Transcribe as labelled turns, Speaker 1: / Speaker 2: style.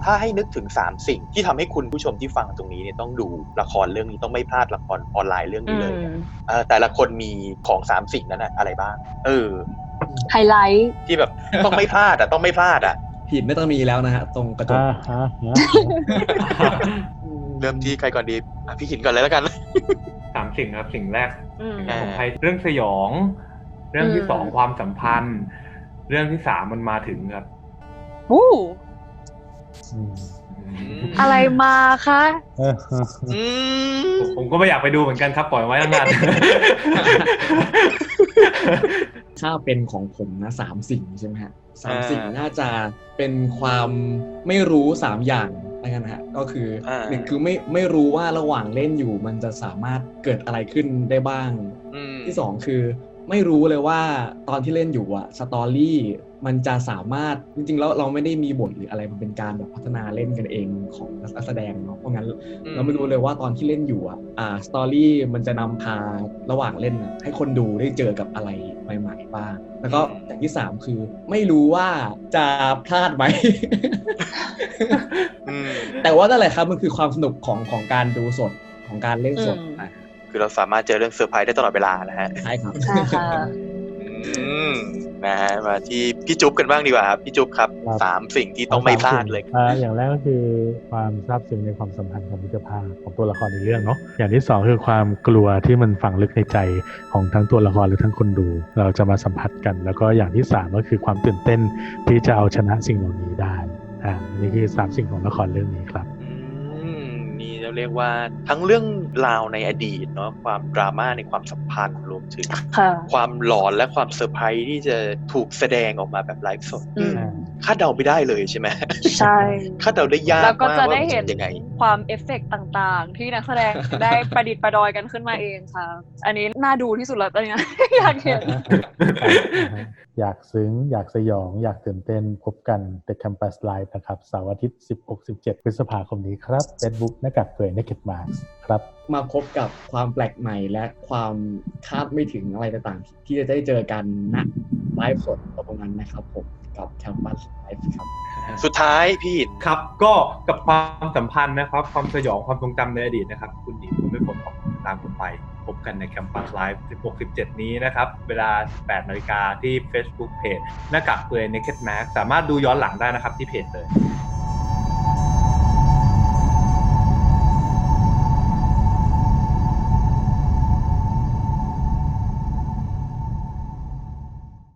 Speaker 1: ถ้าให้นึกถึง3สิ่งที่ทำให้คุณผู้ชมที่ฟังตรงนี้เนี่ยต้องดูละครเรื่องนี้ต้องไม่พลาดละครออนไลน์เรื่องนี้เลยแต่ละคนมีของ3สิ่งนั้นอะไรบ้าง
Speaker 2: ไฮไลท์
Speaker 1: ที่แบบต้องไม่พลาดต้องไม่พลาด
Speaker 3: ผิดไม่ต้องมีแล้วนะฮะตรงกระจก
Speaker 1: เริ่มที่ใครก่อนดีพี่ขินก่อนเลยแล้วกัน
Speaker 4: 3สิ่งครับสิ่งแรกของไทยเรื่องสยองเรื่องที่2ความสัมพันธ์เรื่องที่3มันมาถึงครับ
Speaker 2: อะไรมาคะ
Speaker 4: ผมก็ไม่อยากไปดูเหมือนกันครับปล่อยไว้นาน
Speaker 3: ถ้าเป็นของผมนะ3สิ่งใช่ไหมฮะ3สิ่งน่าจะเป็นความไม่รู้3อย่างอะไรกันฮะก็คือ1คือไม่รู้ว่าระหว่างเล่นอยู่มันจะสามารถเกิดอะไรขึ้นได้บ้างที่2คือไม่รู้เลยว่าตอนที่เล่นอยู่สตอรี่มันจะสามารถจริงๆแล้วเราไม่ได้มีบทหรืออะไรมันเป็นการแบบพัฒนาเล่นกันเองของนักแสดงเนาะเพราะงั้นเราไม่รู้เลยว่าตอนที่เล่นอยู่สตอรี่มันจะนำพาระหว่างเล่นให้คนดูได้เจอกับอะไรใหม่ๆบ้างแล้วก็อย่างที่3คือไม่รู้ว่าจะพลาดไหม แต่ว่านั่นแหละครับมันคือความสนุกของการดูสดของการเล่นสด
Speaker 1: คือเราสามารถเจอเรื่องเซอร์ไพรส์ได้ตลอดเวลานะฮะ
Speaker 3: ใช่ครับ
Speaker 1: นะฮะมาที่พี่จุ๊บกันบ้างดีกว่าครับพี่จุ๊บครับ3สิ่งที่ต้องไม่พลาดเลย
Speaker 5: อย่างแรกก็คือความซาบซึ้งในความสัมพันธ์ของมิตรภาพของตัวละครในเรื่องเนาะอย่างที่2คือความกลัวที่มันฝังลึกในใจของทั้งตัวละครหรือทั้งคนดูเราจะมาสัมผัสกันแล้วก็อย่างที่3ก็คือความตื่นเต้นที่จะเอาชนะสิ่งเหล่านี้ได้นี่คือ3สิ่งของละครเรื่องนี้ครับ
Speaker 1: นี่เราเรียกว่าทั้งเรื่องราวในอดีตเนาะความดราม่าในความสัมพันธ์รวมถึงความหลอนและความเซอร์ไพรส์ที่จะถูกแสดงออกมาแบบไลฟ์สดคาดเดาไม่ได้เลยใช่ไหม
Speaker 2: ใช่
Speaker 1: คาดเดาได้ยาก
Speaker 2: แล้วก็จะได้เห็น
Speaker 1: ยังไง
Speaker 2: ความเอฟเฟกต์ต่างๆที่นักแสดงได้ประดิษฐ์ประดอยกันขึ้นมาเองค่ะอันนี้น่าดูที่สุดแล้วตอนนี้ อยากเห็น
Speaker 5: อยากซึ้งอยากสยองอยากตื่นเต้นพบกัน The Campus Live นะครับเสาร์อาทิตย์ 16-17 พฤษภาคมนี้ครับ Facebook หน้ากากเปื่อย Naked Mask ครับ
Speaker 3: มาพบกับความแปลกใหม่และความคาดไม่ถึงอะไรต่างๆที่จะได้เจอกันณไลฟ์สดตรงนั้นนะครับผมกับ Campus Live ครับ
Speaker 1: สุดท้ายพี่
Speaker 4: ครับก็กับความสัมพันธ์นะครับความสยองความทรงจำในอดีตนะครับคุณหญิงคุณไม่ผลของตามผมไปพบกันใน Campus Live 16-17 นี้นะครับเวลา 18:00 นที่ Facebook Page หน้ากากเปื่อย Naked Mask สามารถดูย้อนหลังได้นะครับที่เพจเลย